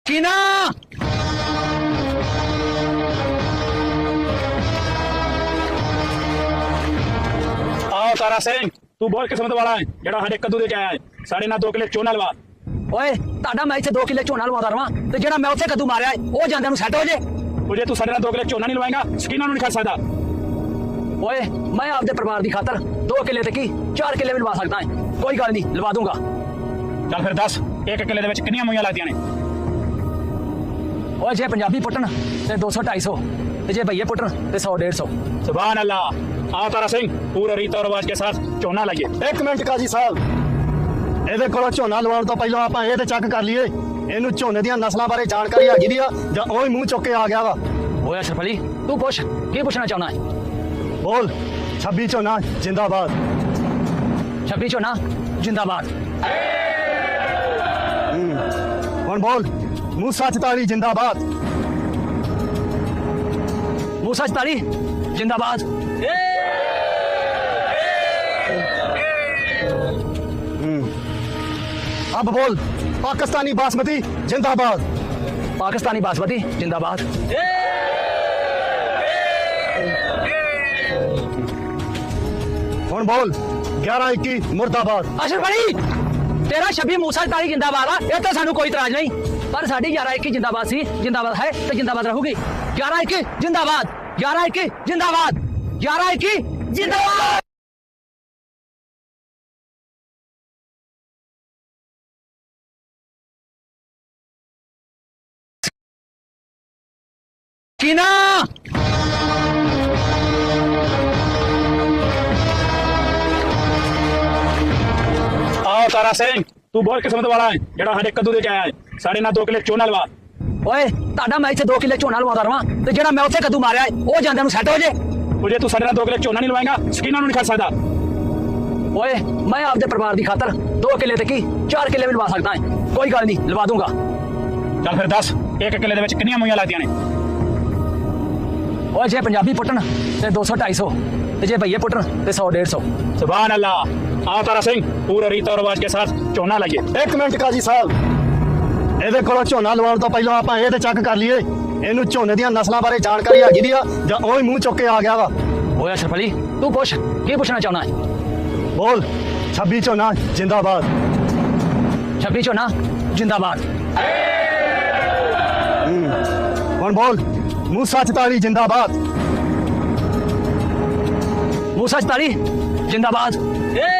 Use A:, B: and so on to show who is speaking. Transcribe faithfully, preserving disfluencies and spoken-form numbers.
A: कीना
B: आओ तारा सिंह तू बोल किस्मत वाला है जेड़ा हडे कद्दू दे के आया है साढ़े ना दो किले चोना लवा
A: ओए ਤੁਹਾਡਾ ਮੈਂ ਇੱਥੇ दो किले ਝੋਨਾ ਲਵਾਉਂਦਾ ਰਵਾਂ ਤੇ ਜਿਹੜਾ ਮੈਂ ਉੱਥੇ ਕੱਦੂ ਮਾਰਿਆ ਉਹ ਜਾਂਦਿਆਂ ਨੂੰ ਸੈੱਟ ਹੋ ਜੇ
B: तुझे तू साढ़े ना दो किले चोना नहीं लवाएगा स्कीना नहीं खा सकता
A: ਓਏ मैं आपदे परिवार ਦੀ ਖਾਤਰ दो किले ਤੇ ਕੀ चार किले ਵੀ ਲਵਾ ਸਕਦਾ ਹਾਂ ਕੋਈ ਗੱਲ ਨਹੀਂ ਲਵਾ ਦੂੰਗਾ
B: चल फिर दस एक किले दे विच कितनी मूइयां लगदियां ने
A: ਓਏ ਜੇ ਪੰਜਾਬੀ ਪੁੱਟਣ ਤੇ दो सौ ढाई सौ ਤੇ ਜੇ ਭਈਏ ਪੁੱਟਣ ਤੇ सौ डेढ़ सौ
B: सुभान अल्लाह आओ तारा सिंह पूरे रीत और रिवाज के साथ चोना लाइए
C: एक मिनट काजी साहब ਇਹਦੇ ਕੋਲੋਂ ਝੋਨਾ ਲਵਾਉਣ ਤੋਂ ਪਹਿਲਾਂ ਆਪਾਂ ਇਹ ਤੇ ਚੈੱਕ ਕਰ ਲਈਏ ਇਹਨੂੰ ਝੋਨੇ ਦੀਆਂ ਨਸਲਾਂ ਬਾਰੇ ਜਾਣਕਾਰੀ ਹੈਗੀ ਦੀ ਆ ਜਾਂ ਉਹ ਹੀ ਮੂੰਹ ਚੁੱਕ ਕੇ ਆ ਗਿਆ ਵਾ
A: ਓਏ ਅਸ਼ਰਫ ਅਲੀ ਤੂੰ ਪੁੱਛ ਕੀ ਪੁੱਛਣਾ ਚਾਹੁੰਦਾ ਹੈ
C: ਬੋਲ ਛੱਬੀ ਝੋਨਾ ਜਿੰਦਾਬਾਦ
A: ਛੱਬੀ ਝੋਨਾ ਜਿੰਦਾਬਾਦ
C: ਹੁਣ ਬੋਲ ਮੂਸਾ ਚਤਾਲੀ ਜਿੰਦਾਬਾਦ
A: मूसा चताली जिंदाबाद
C: अब बोल पाकिस्तानी बासमती जिंदाबाद
A: पाकिस्तानी बासमती जिंदाबाद
C: ਹੁਣ बोल ग्यारह इक्की मुर्दाबाद
A: अशरफ अली तेरा छब्बी मूसा चताली जिंदाबाद आ ये तो सानू कोई इतराज नहीं पर साडी ग्यारह इक्की जिंदाबाद सी जिंदाबाद है तो जिंदाबाद रहूगी ग्यारह इक्की जिंदाबाद ग्यारह इक्की जिंदाबाद ग्यारह इक्की जिंदाबाद कीना
B: आओ तारा सिंह तू बोल किस्मत वाला है जेड़ा हडे कद्दू दे के आया है साढ़े ना दो किले चोना लवा
A: ਓਏ ਤੁਹਾਡਾ ਮੈਂ ਇੱਥੇ दो किले ਝੋਨਾ ਲਵਾਉਂਦਾ ਰਵਾਂ ਤੇ ਜਿਹੜਾ ਮੈਂ ਉੱਥੇ ਕੱਦੂ ਮਾਰਿਆ ਉਹ ਜਾਂਦਿਆਂ ਨੂੰ ਸੈੱਟ ਹੋ ਜੇ
B: तुझे तू साढ़े ना दो किले चोना नहीं लवाएगा स्कीना नहीं खा सकता
A: ਓਏ मैं आपदे परिवार ਦੀ ਖਾਤਰ दो किले ਤੇ ਕੀ चार किले ਵੀ ਲਵਾ ਸਕਦਾ ਹਾਂ ਕੋਈ ਗੱਲ ਨਹੀਂ ਲਵਾ ਦੂੰਗਾ
B: चल फिर दस एक किले दे विच कितनी मूइयां लगदियां ने
A: ਓਏ ਜੇ ਪੰਜਾਬੀ ਪੁੱਟਣ ਤੇ दो सौ ढाई सौ ਤੇ ਜੇ ਭਈਏ ਪੁੱਟਣ ਤੇ सौ डेढ़ सौ
B: सुभान अल्लाह आओ तारा सिंह पूरे रीत और रिवाज के साथ चोना लाइए
C: ਇੱਕ ਮਿੰਟ ਕਾਜੀ ਸਾਹਿਬ ਇਹਦੇ ਕੋਲੋਂ ਝੋਨਾ ਲਵਾਉਣ ਤੋਂ ਪਹਿਲਾਂ ਆਪਾਂ ਇਹ ਤੇ ਚੈੱਕ ਕਰ ਲਈਏ ਇਹਨੂੰ ਝੋਨੇ ਦੀਆਂ ਨਸਲਾਂ ਬਾਰੇ ਜਾਣਕਾਰੀ ਹੈਗੀ ਦੀ ਆ ਜਾਂ ਉਹ ਹੀ ਮੂੰਹ ਚੁੱਕ ਕੇ ਆ ਗਿਆ ਵਾ
A: ਓਏ ਅਸ਼ਰਫ ਅਲੀ ਤੂੰ ਪੁੱਛ ਕੀ ਪੁੱਛਣਾ ਚਾਹੁੰਦਾ ਹੈ
C: ਬੋਲ ਛੱਬੀ ਝੋਨਾ ਜਿੰਦਾਬਾਦ
A: ਛੱਬੀ ਝੋਨਾ ਜਿੰਦਾਬਾਦ
C: ਹੁਣ ਬੋਲ ਮੂਸਾ ਚਤਾਲੀ ਜਿੰਦਾਬਾਦ
A: मूसा चताली जिंदाबाद